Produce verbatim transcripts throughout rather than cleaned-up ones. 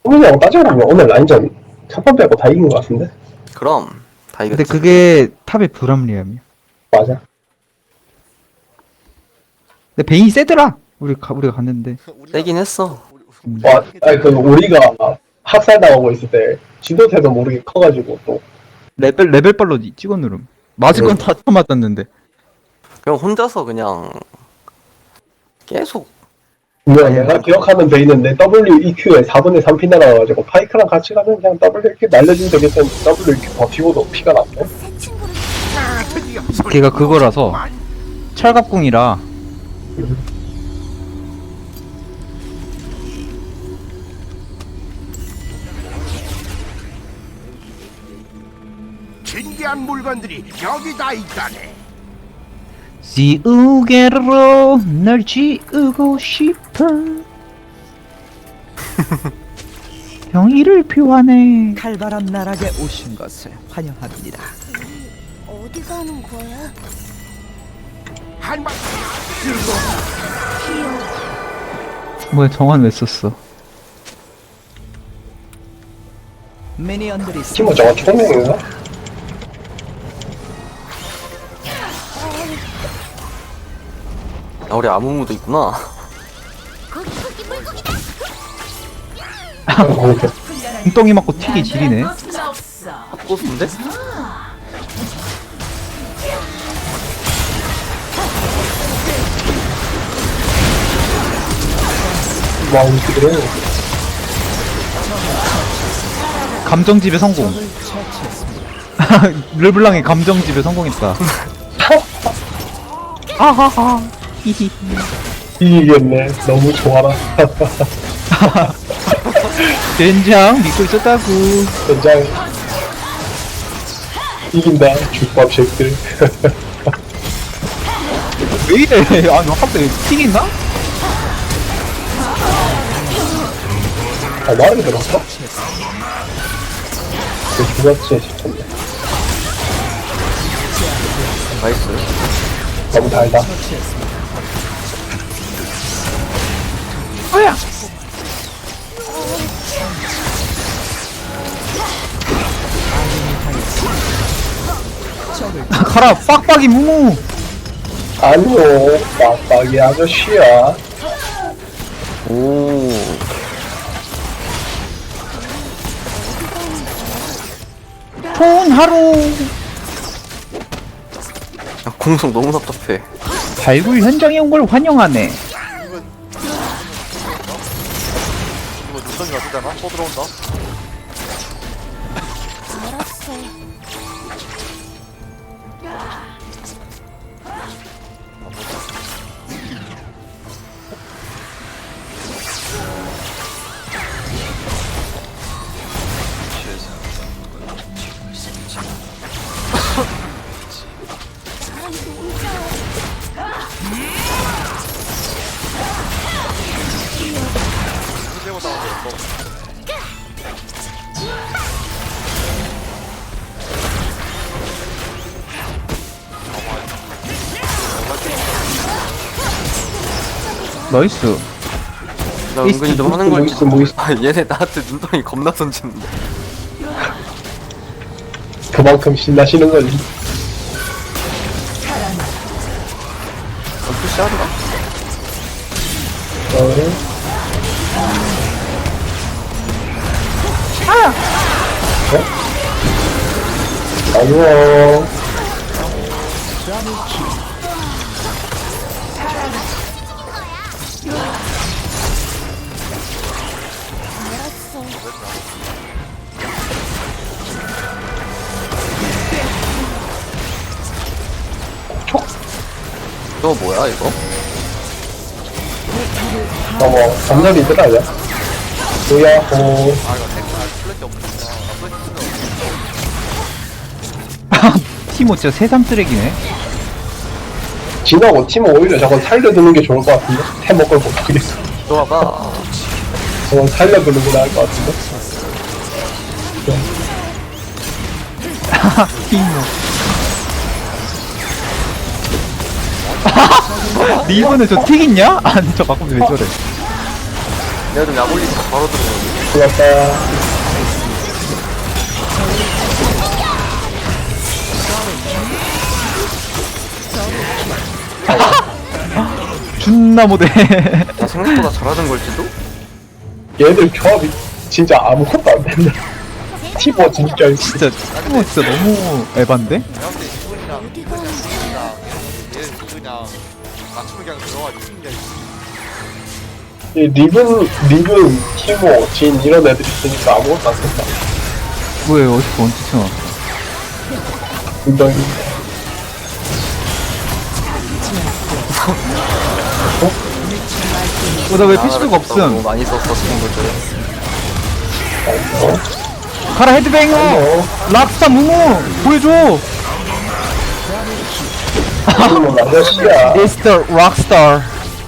성민이하고 따져보면 오늘 라인전 첫 번 빼고 다 이긴 것 같은데? 그럼 다 이겼지. 근데 그게 탑의 불합리함이야. 맞아. 근데 베인이 세더라. 우리 가, 우리가 갔는데. 세긴 했어. 와, 아니 그 우리가 학살당하고 있을 때 지도새도 모르게 커가지고 또 레벨 레벨빨로 찍어 누름. 맞을 건 다 맞았는데. 그냥 혼자서 그냥 계속 분명 내가 기억하는 베이는 내 더블유 이 큐에 사분의 삼 피 날아가가지고 파이크랑 같이 가면 그냥 더블유 이 큐 날려주면 되겠다는데 더블유 이 큐 버티고도 피가 났네. 걔가 그거라서 철갑궁이라. 신기한 물건들이 여기 다 있다네. 지우개로 널 지우고 싶어. 병이를 표하네. 칼바람 나락에 오신 것을 환영합니다. 어디 가는 거야? 한방 뭐야 정한 왜 썼어? 미니언들이 팀은 저거 총명인가? 아, 우리 아무무도 있구나. 거기 거기 물고기다. 웅덩이 맞고 튀기 지리네. 고수인데? 와 이들은 감정집에 성공. 르블랑의 감정집에 성공했다. 아하하. 히히. 이기겠네. 너무 좋아라. 된장 믿고 있었다고. 연장 이긴다. 죽밥 쉐이크들. 왜 이래? 아, 너 갑자기 튀긴가? 아 말을 들었어? 그 죽었지 싶었네. 나이스. 너무 달다. 뭐야? 가라, 빡빡이 무무. 아니요, 빡빡이 아저씨야. 오. 좋은 하루. 야, 공성 너무 답답해. 발굴 현장에 온 걸 환영하네. 이거 눈덩이 같으잖아? 또 들어온다? 알았어. 사람도 혼자 힘들고 나왔어. 나이스. 나 은근히 좀 하는 걸. 모이스 모이스. 아, 얘네 나한테 눈덩이 겁나 던지는데. 그만큼 신나시는 거지. 어, 푸시하더라. 어. 어? 아니요. 알았어. 이거 뭐야 이거? 어머, 감정이 있더라고요. 뭐야, 어. 아, 이거 탱크, 아, 플랫이 없었구나. 아, 플랫이 있어. 티모 진짜 새삼 쓰레기네. 지나고 팀은 오히려 저건 살려두는 게 좋을 것 같은데? 템 먹을 못 하겠어. 들어와봐. 저건 살려두는 게 나을 것 같은데? 티모. 니 이번에 저 튀겼냐? 아니 저 가끔 왜 저래? 내가 좀 약 올리니까 바로 들어오네. 좋았다. 존나 못해. 나 생각보다 잘하는 걸지도? 얘들 조합이 진짜 아무것도 안 된다. 티버 진짜 진짜 어, 진짜 너무 에반데? 내가 볼때 이분이랑 이분이랑 얘 그냥 맞춤을 그냥 들어가 죽는 게 이 리븐, 리븐, 티모, 진 이런 애들이 있으니까 아무것도 안 된다. 왜 어디서 언제 쳐? 굉장히 어, 나 왜 피시브가 너무 없음? 많이 썼어 친구들. 어? 가라 헤드뱅어! 어? 락스타 무무! 보여줘! 이거 아저씨야. 미스터 락스타.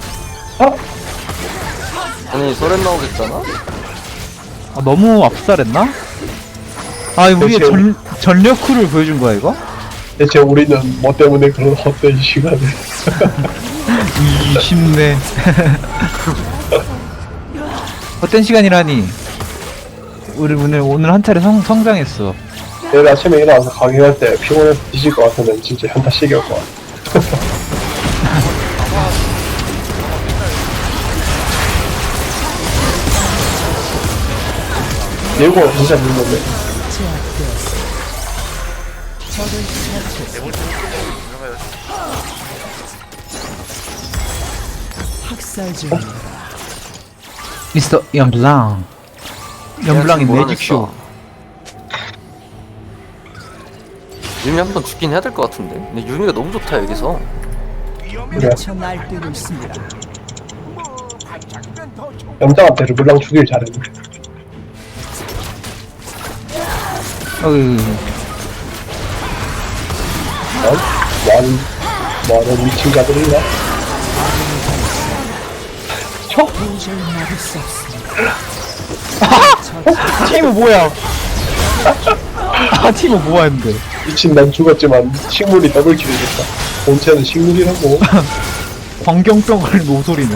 아니 소렌 나오겠잖아? 아, 너무 압살했나? 아, 우리의 대체- 전, 전력쿨을 보여준 거야, 이거? 대체 우리는 뭐 때문에 그런 헛된 시간을. 이십네. 어떤 시간이라니? 우리 오늘, 오늘 한 차례 성, 성장했어. 내일 아침에 일어나서 강의할 때 피곤해서 뒤질 것 같으면 진짜 현타 시길 것 같아. 예고 진짜 물건데. 학살 중입니다. 미스터 영블랑. 영블랑의 뭐 매직쇼. 유미 한 번 죽긴 해야 될 것 같은데. 근데 유미가 너무 좋다 여기서. 그래. 미쳐 날뛰고 있습니다. 반짝이면 더 좋고 염장한테 르블랑 죽일 잘했네. 어이, 난? 많은, 많은 미친 자들인가? 도저히 막을 수 없습니다. 티모 뭐야? 아, 티모 뭐야, 했는데. 미친 난 죽었지만 식물이 더블킬을 했다. 본체는 식물이라고. 광경병 걸린 노소리네.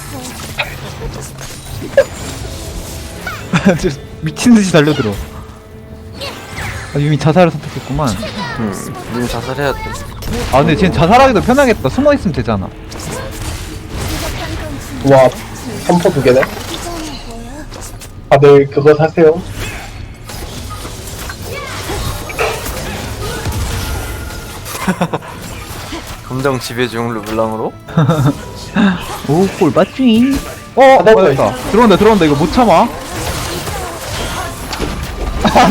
진짜 미친듯이 달려들어. 아, 유미 자살을 선택했구만. 응. 유미 자살해야 돼. 아, 근데 쟤는 자살하기도 편하겠다. 숨어있으면 되잖아. 와, 삼포 두 개네? 다들 그거 사세요. 감정 지배 중 르블랑으로. 오, 꼴 맞지? 어, 나 맞았다. 들어온다, 들어온다. 이거 못 참아. 아,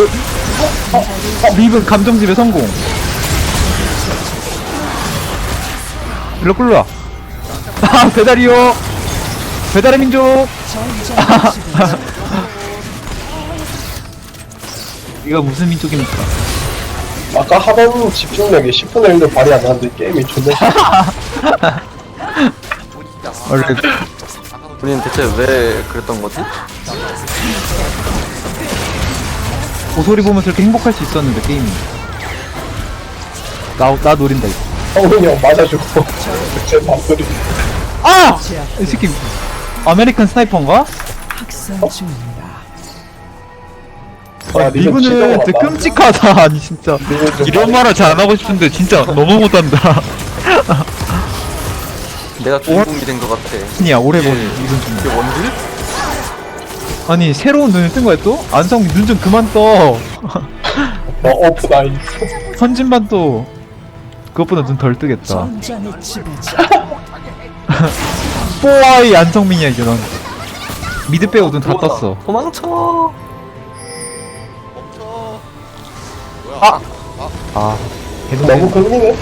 리븐 감정집에 성공. 일로 끌러와. 아, 배달이요. 배달의 민족. 이거 무슨 민족입니까? 아까 하던 집중력이 십분의 일도 발휘 안 하는데 게임이 존나 싫어. 원래 우리는 대체 왜 그랬던 거지? 고소리 보면서 이렇게 행복할 수 있었는데 게임이. 나, 나 노린다 이거. 성훈이 형 맞아주고 제 밥소리. 아! 이 새끼 아메리칸 스나이퍼인가? 학살 중입니다. 아, 리븐 진짜 리브는 많다. 진짜 끔찍하다. 아니 진짜 리븐 좀 이런 말을 잘 안 하고 싶은데 진짜 너무 못한다. 내가 주인공이 된 것 같아. 아니야 오래 보니 이건 좀. 이게 원딜? 아니 새로운 눈을 뜬 거야 또? 안성 눈 좀 그만 떠. 어, 오프 나이스. 선진반 또 그것보다 눈 덜 뜨겠다. 전장의 지배자. 뽀아이 안성민이야 이제 넌. 미드 빼고 눈 다 떴어. 도망쳐. 멈춰. 뭐야? 아! 아 너무 걸리네.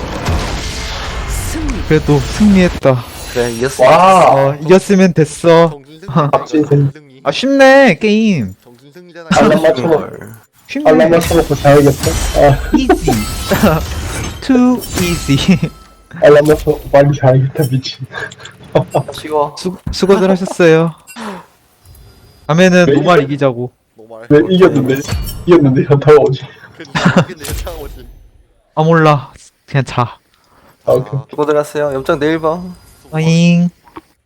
그래도 승리했다. 그래 이겼어. 와, 어 이겼으면 됐어. 정준승. 박진승. 정준승이. 아 쉽네 게임. 정준승이잖아. 알람 맞춰놓고, 걸. 쉽네. 알람 맞춰놓고 자야겠어. 아, easy. too easy. 알람 맞춰놓고 빨리 자야겠다, 미친. 치워. 수, 수고들 하셨어요. 다음에는 왜 노말 이기자고. 노말. 왜 이겼는데, 이겼는데 현타가 오지. 근데 현타가 오지. 아 몰라. 그냥 자. 아, 오케이. 수고들 하세요. 염장 내일 봐. 어잉.